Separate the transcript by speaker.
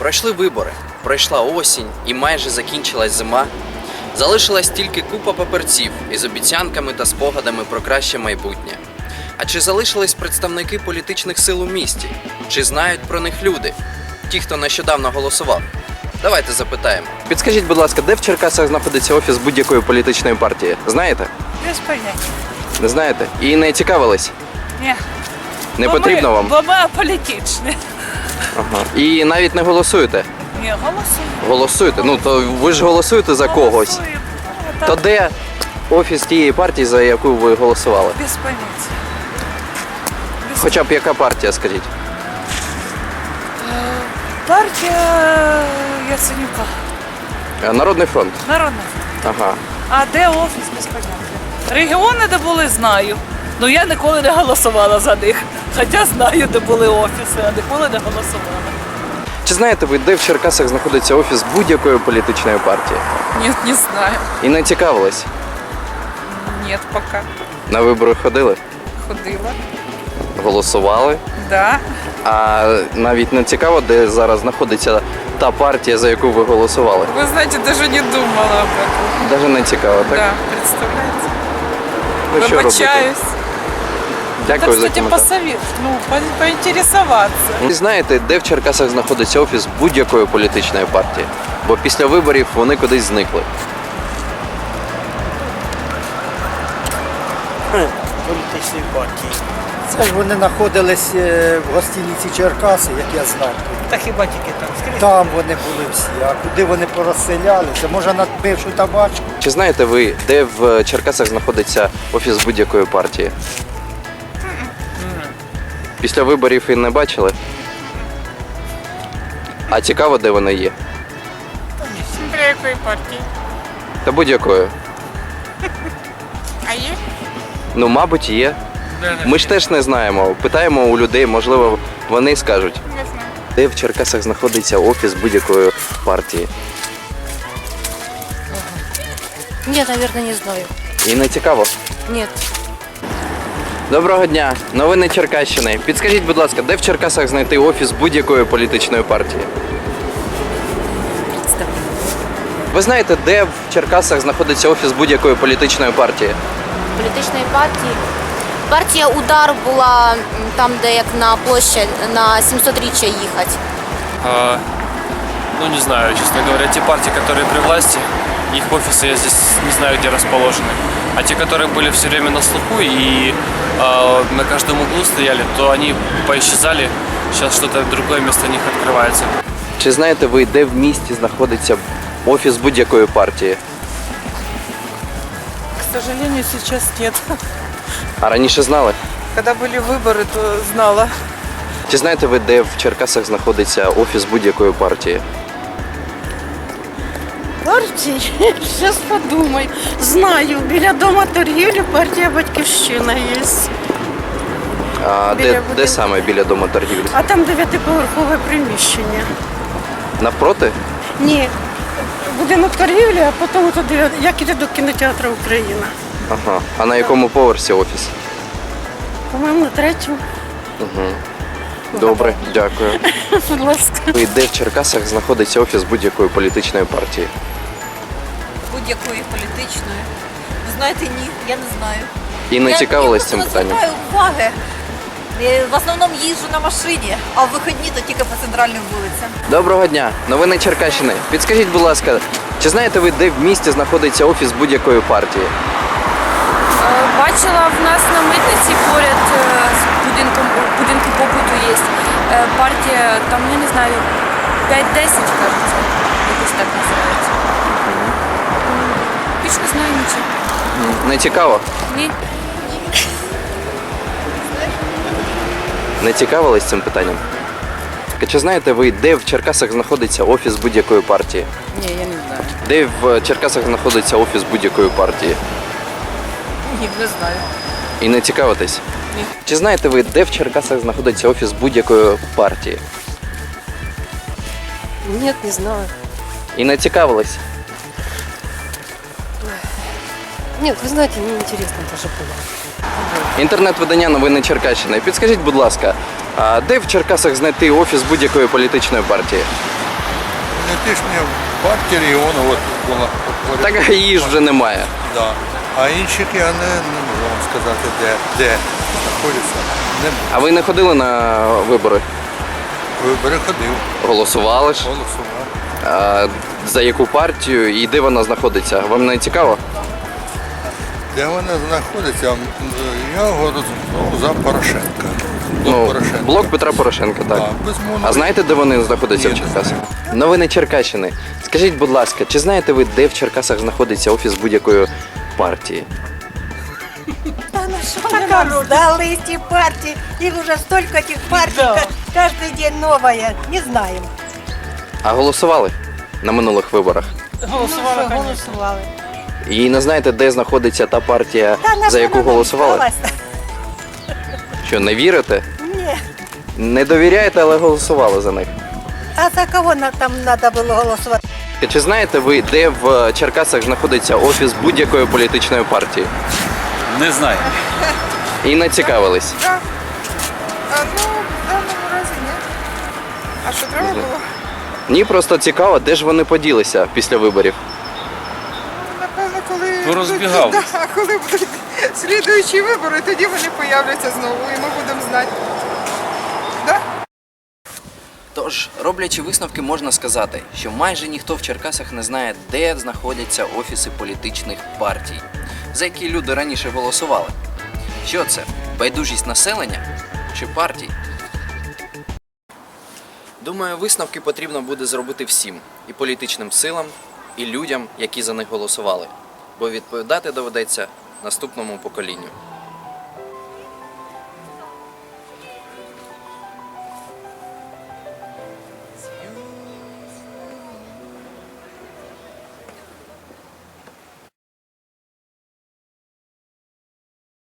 Speaker 1: Пройшли вибори, пройшла осінь і майже закінчилась зима. Залишилась тільки купа папірців із обіцянками та спогадами про краще майбутнє. А чи залишились представники політичних сил у місті? Чи знають про них люди? Ті, хто нещодавно голосував? Давайте запитаємо. Підскажіть, будь ласка, де в Черкасах знаходиться офіс будь-якої політичної партії? Знаєте?
Speaker 2: Без поняття.
Speaker 1: Не знаєте? І не цікавились?
Speaker 2: Ні.
Speaker 1: Не потрібно вам?
Speaker 2: Бо ми аполітичні.
Speaker 1: Ага. І навіть не голосуєте?
Speaker 2: Ні, голосуємо.
Speaker 1: Голосуєте? Ну, то ви ж голосуєте за когось.
Speaker 2: Голосуємо.
Speaker 1: То де офіс тієї партії, за яку ви голосували?
Speaker 2: Без поняття.
Speaker 1: Хоча б яка партія, скажіть?
Speaker 2: Партія Яценюка.
Speaker 1: Народний фронт.
Speaker 2: Народна.
Speaker 1: Ага.
Speaker 2: А де офіс, без поняття. Регіони, де були, знаю. Ну я ніколи не голосувала за них. Хоча знаю, де були офіси, а ніколи не голосувала.
Speaker 1: Чи знаєте ви, де в Черкасах знаходиться офіс будь-якої політичної партії?
Speaker 2: Нет, не знаю.
Speaker 1: І не цікавились?
Speaker 2: Нет, пока.
Speaker 1: На вибори ходили?
Speaker 2: Ходила.
Speaker 1: Голосували?
Speaker 2: Да.
Speaker 1: А навіть не цікаво, де зараз знаходиться та партія, за яку ви голосували?
Speaker 2: Вы знаете, даже не думала об этом.
Speaker 1: Навіть не цікаво, так?
Speaker 2: Да, представляете?
Speaker 1: Ну, що робити?
Speaker 2: Вибачаюсь.
Speaker 1: Дякую
Speaker 2: Так,
Speaker 1: за
Speaker 2: кстати,
Speaker 1: коментар.
Speaker 2: посовет, поинтересоваться.
Speaker 1: Ви знаєте, де в Черкасах знаходиться офіс будь-якої політичної партії? Бо після виборів вони кудись зникли.
Speaker 3: Політичної партії. Це ж вони знаходились в гостиниці Черкаси, як я знав.
Speaker 4: Та хіба тільки там скрізь?
Speaker 3: Там вони були всі, а куди вони порозселялися? Може на бившу табачку?
Speaker 1: Чи знаєте ви, де в Черкасах знаходиться офіс будь-якої партії? Після виборів і не бачили? А цікаво, де вони є?
Speaker 2: Для якої партії?
Speaker 1: Та будь-якої.
Speaker 2: А є?
Speaker 1: Ну, мабуть, є. Ми ж теж не знаємо. Питаємо у людей, можливо, вони скажуть.
Speaker 2: Не знаю.
Speaker 1: Де в Черкасах знаходиться офіс будь-якої партії?
Speaker 5: Нет, наверное, не знаю.
Speaker 1: І не цікаво.
Speaker 5: Нет.
Speaker 1: Доброго дня, новини Черкащини. Підскажіть, будь ласка, де в Черкасах знайти офіс будь-якої політичної партії? Ви знаєте, де в Черкасах знаходиться офіс будь-якої політичної партії?
Speaker 5: Політичної партії. Партія «Удар» була там, де як на площадь, на 700-річчя їхати.
Speaker 6: Ну, не знаю, честно говоря. Те партии, которые при власти, их офисы я здесь не знаю, где расположены. А те, которые были все время на слуху и на каждом углу стояли, то они поисчезали. Сейчас что-то другое вместо них открывается.
Speaker 1: Чи знаєте ви, де в місті знаходиться офіс будь-якої партії?
Speaker 2: К сожалению, сейчас нет.
Speaker 1: А раніше знали?
Speaker 2: Когда были выборы, то знала.
Speaker 1: Чи знаєте ви, де в Черкасах знаходиться офіс будь-якої партії?
Speaker 7: Партії? Зараз подумай. Знаю, біля дома торгівлі партія «Батьківщина» є.
Speaker 1: А
Speaker 7: Біля
Speaker 1: де
Speaker 7: будинку.
Speaker 1: саме біля дому торгівлі?
Speaker 7: А там 9-поверхове приміщення.
Speaker 1: Навпроти?
Speaker 7: Ні. Будинок торгівлі, а потім туди, як іде до кінотеатру «Україна».
Speaker 1: Ага. А на якому поверсі офіс?
Speaker 7: По-моєму, на 3-му.
Speaker 1: Добре, дякую.
Speaker 7: Будь ласка.
Speaker 1: Ви де в Черкасах знаходиться офіс будь-якої політичної партії?
Speaker 8: Будь-якої політичної. Ви знаєте, ні, я не знаю.
Speaker 1: І не цікавились цим
Speaker 8: Я
Speaker 1: питанням?
Speaker 8: просто не звертаю уваги. Я в основному їжджу на машині, а в вихідні то тільки по центральним вулицям.
Speaker 1: Доброго дня, новини Черкащини. Підскажіть, будь ласка, чи знаєте ви, де в місті знаходиться офіс будь-якої партії?
Speaker 9: Бачила в нас на митниці поряд з будинку побуту є партія, там, я не знаю, 5-10, кажеться, якось так називається. Більш не знаю нічого.
Speaker 1: Не цікаво?
Speaker 9: Ні.
Speaker 1: Не цікавились цим питанням? Чи знаєте ви, де в Черкасах знаходиться офіс будь-якої партії?
Speaker 2: Ні, я не знаю.
Speaker 1: Де в Черкасах знаходиться офіс будь-якої партії?
Speaker 2: Ні, не знаю.
Speaker 1: І не цікавитесь?
Speaker 2: Ні.
Speaker 1: Чи знаєте ви, де в Черкасах знаходиться офіс будь-якої партії?
Speaker 5: Нет, не знаю.
Speaker 1: І не цікавились?
Speaker 5: Нет, вы знаете, мне интересно даже было.
Speaker 1: Інтернет-видання новини Черкащини. Підскажіть, будь ласка, а де в Черкасах знайти офіс будь-якої політичної партії?
Speaker 10: політичні партії регіону от була.
Speaker 1: Так її ж вже немає.
Speaker 10: Да. А інших я не можу вам сказати, де знаходяться. Не
Speaker 1: А ви не ходили на вибори?
Speaker 10: вибори ходив,
Speaker 1: Голосували ж?
Speaker 10: голосував.
Speaker 1: А за яку партію і де вона знаходиться? Вам не цікаво?
Speaker 10: Де вона знаходиться? Я голосував за Порошенка.
Speaker 1: Блок Петра Порошенка, так.
Speaker 10: Да, безумовно.
Speaker 1: А знаєте, де вони знаходяться в
Speaker 10: Ні, не
Speaker 1: Черкасах? Новини Черкащини. Скажіть, будь ласка, чи знаєте ви, де в Черкасах знаходиться офіс будь-якої партії?
Speaker 7: Дали эти партии, их уже столько этих партий,
Speaker 2: Да.
Speaker 7: каждый день новая, не знаем.
Speaker 1: А голосували на минулих виборах?
Speaker 2: Голосували,
Speaker 7: Ну,
Speaker 2: конечно.
Speaker 7: голосували.
Speaker 1: І не знаєте, де знаходиться та партія, за яку голосували? Що, не вірите?
Speaker 7: Ні.
Speaker 1: Не довіряєте, але голосували за них.
Speaker 7: А за кого там треба було голосувати?
Speaker 1: Чи знаєте ви, де в Черкасах знаходиться офіс будь-якої політичної партії?
Speaker 6: Не знаю.
Speaker 1: І не цікавились.
Speaker 11: Ну, в даному разі ні. А що треба було?
Speaker 1: Ні, просто цікаво, де ж вони поділися після виборів.
Speaker 11: Напевно, коли
Speaker 6: Порозбігались.
Speaker 11: коли будуть слідуючі вибори, тоді вони появляться знову і ми будемо знати. Да?
Speaker 1: Тож, роблячи висновки, можна сказати, що майже ніхто в Черкасах не знає, де знаходяться офіси політичних партій, за які люди раніше голосували. Що це? Байдужість населення чи партій? Думаю, висновки потрібно буде зробити всім – і політичним силам, і людям, які за них голосували. Бо відповідати доведеться наступному поколінню.